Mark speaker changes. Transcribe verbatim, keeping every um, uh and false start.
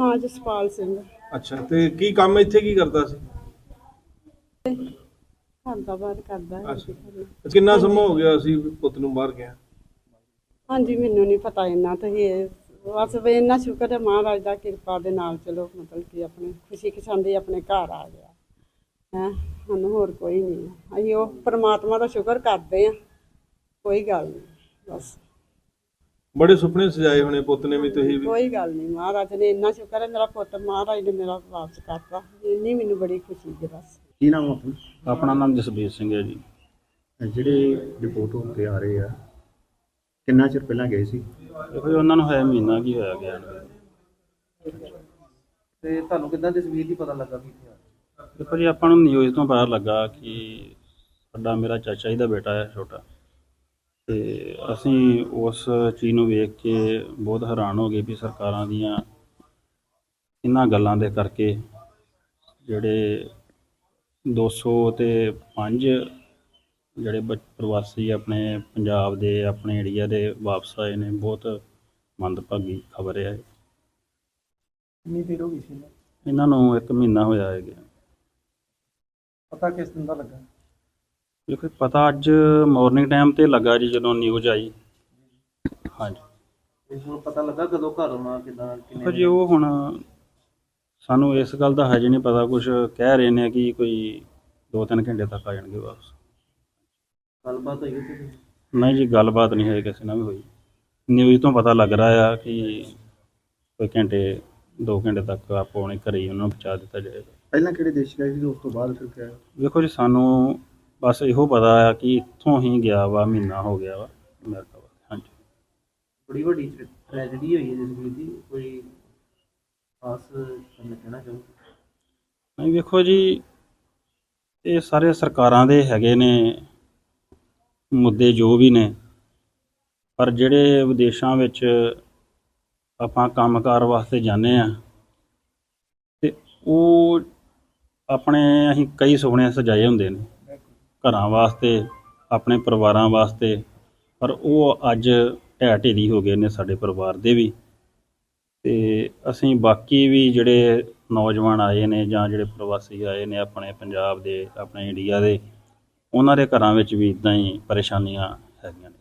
Speaker 1: ਨਾਂ ਜਸਪਾਲ ਸਿੰਘ।
Speaker 2: ਅੱਛਾ, ਤੇ ਕੀ ਕੰਮ ਇੱਥੇ ਕੀ ਕਰਦਾ ਸੀ?
Speaker 1: ਘਰ ਦਾ ਬਾਹਰ ਕਰਦਾ ਹੈ।
Speaker 2: ਅੱਛਾ, ਕਿੰਨਾ ਸਮਾਂ ਹੋ ਗਿਆ ਸੀ ਪੁੱਤ ਨੂੰ ਬਾਹਰ ਗਿਆ?
Speaker 1: ਹਾਂਜੀ, ਮੈਨੂੰ ਨਹੀਂ ਪਤਾ ਇੰਨਾ ਤੇ ਇਹ ਬਸ ਵੀ ਇੰਨਾ ਸ਼ੁਕਰ ਹੈ ਮਹਾਰਾਜ ਦਾ ਕਿਰਪਾ ਦੇ ਨਾਲ, ਚਲੋ ਮਤਲਬ ਕਿ ਆਪਣੇ ਖੁਸ਼ੀ ਖਸ਼ਾਂਦੀ ਆਪਣੇ ਘਰ ਆ ਗਿਆ ਹੈ। ਸਾਨੂੰ ਹੋਰ ਕੋਈ ਨਹੀਂ ਹੈ, ਅਸੀਂ ਉਹ ਪਰਮਾਤਮਾ ਦਾ ਸ਼ੁਕਰ ਕਰਦੇ ਹਾਂ, ਕੋਈ ਗੱਲ ਨਹੀਂ। ਬਸ
Speaker 2: ਬੜੇ ਸੁਪਨੇ ਸਜਾਏ ਹੋਣੇ ਪੁੱਤ ਨੇ ਵੀ, ਤੁਸੀਂ ਵੀ?
Speaker 1: ਕੋਈ ਗੱਲ ਨਹੀਂ, ਮਹਾਰਾਜ ਨੇ ਇੰਨਾ ਸ਼ੁਕਰ ਹੈ ਮੇਰਾ ਪੁੱਤ ਮਹਾਰਾਜ ਨੇ ਮੇਰਾ ਵਾਪਸ ਕਰਤਾ, ਇੰਨੀ ਮੈਨੂੰ ਬੜੀ ਖੁਸ਼ੀ ਹੈ। ਬਸ
Speaker 3: ਕੀ ਨਾਮ ਆਪਣਾ?
Speaker 4: ਆਪਣਾ ਨਾਮ ਜਸਬੀਰ ਸਿੰਘ ਹੈ ਜੀ।
Speaker 3: ਜਿਹੜੇ ਰਿਪੋਰਟ ਹੋ ਕੇ ਆ ਰਹੇ ਆ, ਕਿੰਨਾ ਚਿਰ ਪਹਿਲਾਂ ਗਏ ਸੀ?
Speaker 4: ਦੇਖੋ ਜੀ, ਉਹਨਾਂ ਨੂੰ ਹੋਇਆ ਮਹੀਨਾ ਕੀ ਹੋਇਆ ਗਿਆ ਨੂੰ।
Speaker 5: ਤੇ ਤੁਹਾਨੂੰ ਕਿੱਦਾਂ ਤਸਵੀਰ ਦੀ ਪਤਾ ਲੱਗਾ ਵੀ ਇੱਥੇ ਆ?
Speaker 4: ਦੇਖੋ ਜੀ, ਆਪਾਂ ਨੂੰ ਨਿਊਜ਼ ਤੋਂ ਪਤਾ ਲੱਗਾ ਕਿ ਸਾਡਾ ਮੇਰਾ ਚਾਚਾ ਜੀ ਦਾ ਬੇਟਾ ਹੈ ਛੋਟਾ, ਤੇ ਅਸੀਂ ਉਸ ਚੀਜ਼ ਨੂੰ ਵੇਖ ਕੇ ਬਹੁਤ ਹੈਰਾਨ ਹੋ ਗਏ ਵੀ ਸਰਕਾਰਾਂ ਦੀਆਂ ਇਹਨਾਂ ਗੱਲਾਂ ਦੇ ਕਰਕੇ ਜਿਹੜੇ ਦੋ ਸੌ ਤੇ ਪੰਜ ਜਿਹੜੇ ਬ ਪ੍ਰਵਾਸੀ ਆਪਣੇ ਪੰਜਾਬ ਦੇ ਆਪਣੇ ਏਰੀਆ ਦੇ ਵਾਪਸ ਆਏ ਨੇ, ਬਹੁਤ ਮੰਦਭਾਗੀ ਖਬਰ ਹੈ।
Speaker 5: ਕਿੰਨੀ ਦੇਰ ਹੋ ਗਈ ਸੀ ਇਹਨੂੰ?
Speaker 4: ਇਹਨਾਂ ਨੂੰ ਇੱਕ ਮਹੀਨਾ ਹੋਇਆ ਹੈ ਗਿਆ।
Speaker 5: ਪਤਾ ਕਿਸ ਦਿਨ ਦਾ ਲੱਗਾ?
Speaker 4: ਦੇਖੋ ਪਤਾ ਅੱਜ ਮਾਰਨਿੰਗ ਟਾਈਮ ਤੇ ਲੱਗਾ ਜੀ, ਜਦੋਂ ਨਿਊਜ਼ ਆਈ। ਹਾਂਜੀ,
Speaker 5: ਤੇ ਹੁਣ ਪਤਾ ਲੱਗਾ ਕਦੋਂ ਘਰ ਆਉਣਾ, ਕਿੱਦਾਂ
Speaker 4: ਦੇਖੋ ਜੀ, ਉਹ ਹੁਣ ਸਾਨੂੰ ਇਸ ਗੱਲ ਦਾ ਹਜੇ ਨਹੀਂ ਪਤਾ। ਕੁਝ ਕਹਿ ਰਹੇ ਨੇ ਕਿ ਕੋਈ ਦੋ ਤਿੰਨ ਘੰਟੇ ਤੱਕ ਆ ਜਾਣਗੇ ਵਾਪਸ।
Speaker 5: ਗੱਲਬਾਤ ਹੋਈ ਉੱਥੇ?
Speaker 4: ਨਹੀਂ ਜੀ, ਗੱਲਬਾਤ ਨਹੀਂ ਹੋਈ ਕਿਸੇ ਨਾਲ ਵੀ ਹੋਈ। ਨਿਊਜ਼ ਤੋਂ ਪਤਾ ਲੱਗ ਰਿਹਾ ਆ ਕਿ ਕੋਈ ਘੰਟੇ ਦੋ ਘੰਟੇ ਤੱਕ ਆਪੋ ਆਪਣੇ ਘਰੇ ਹੀ ਉਹਨਾਂ ਨੂੰ ਪਹੁੰਚਾ ਦਿੱਤਾ ਜਾਏਗਾ।
Speaker 3: ਪਹਿਲਾਂ ਕਿਹੜੇ ਦੇਸ਼ ਗਏ ਸੀ, ਉਸ ਤੋਂ ਬਾਅਦ ਫਿਰ ਕਿਹਾ?
Speaker 4: ਦੇਖੋ ਜੀ, ਸਾਨੂੰ ਬਸ ਇਹੋ ਪਤਾ ਆ ਕਿ ਇੱਥੋਂ ਹੀ ਗਿਆ ਵਾ, ਮਹੀਨਾ ਹੋ ਗਿਆ ਵਾ ਅਮਰੀਕਾ ਵਾ। ਹਾਂਜੀ,
Speaker 5: ਬੜੀ ਵੱਡੀ ਟ੍ਰੈਜਡੀ ਹੋਈ ਹੈ ਜਸਵੀਰ ਦੀ, ਕੋਈ ਖਾਸ ਤੁਹਾਨੂੰ ਕਹਿਣਾ ਚਾਹੋ?
Speaker 4: ਨਹੀਂ ਵੇਖੋ ਜੀ, ਇਹ ਸਾਰੇ ਸਰਕਾਰਾਂ ਦੇ ਹੈਗੇ ਨੇ ਮੁੱਦੇ ਜੋ ਵੀ ਨੇ, ਪਰ ਜਿਹੜੇ ਵਿਦੇਸ਼ਾਂ ਵਿੱਚ ਆਪਾਂ ਕੰਮਕਾਰ ਵਾਸਤੇ ਜਾਂਦੇ ਹਾਂ ਤੇ ਉਹ ਆਪਣੇ ਅਸੀਂ ਕਈ ਸੁਪਨੇ ਸਜਾਏ ਹੁੰਦੇ ਨੇ ਘਰਾਂ ਵਾਸਤੇ, ਆਪਣੇ ਪਰਿਵਾਰਾਂ ਵਾਸਤੇ, ਪਰ ਉਹ ਅੱਜ ਢਹਿ ਢੇਰੀ ਹੋ ਗਏ ਨੇ ਸਾਡੇ ਪਰਿਵਾਰ ਦੇ ਵੀ। ਤੇ ਅਸੀਂ ਬਾਕੀ ਵੀ ਜਿਹੜੇ ਨੌਜਵਾਨ ਆਏ ਨੇ ਜਾਂ ਜਿਹੜੇ ਪ੍ਰਵਾਸੀ ਆਏ ਨੇ ਆਪਣੇ ਪੰਜਾਬ ਦੇ, ਆਪਣੇ ਇੰਡੀਆ ਦੇ, ਉਹਨਾਂ ਦੇ ਘਰਾਂ ਵਿੱਚ ਵੀ ਇੱਦਾਂ ਹੀ ਪਰੇਸ਼ਾਨੀਆਂ ਹੈਗੀਆਂ ਨੇ।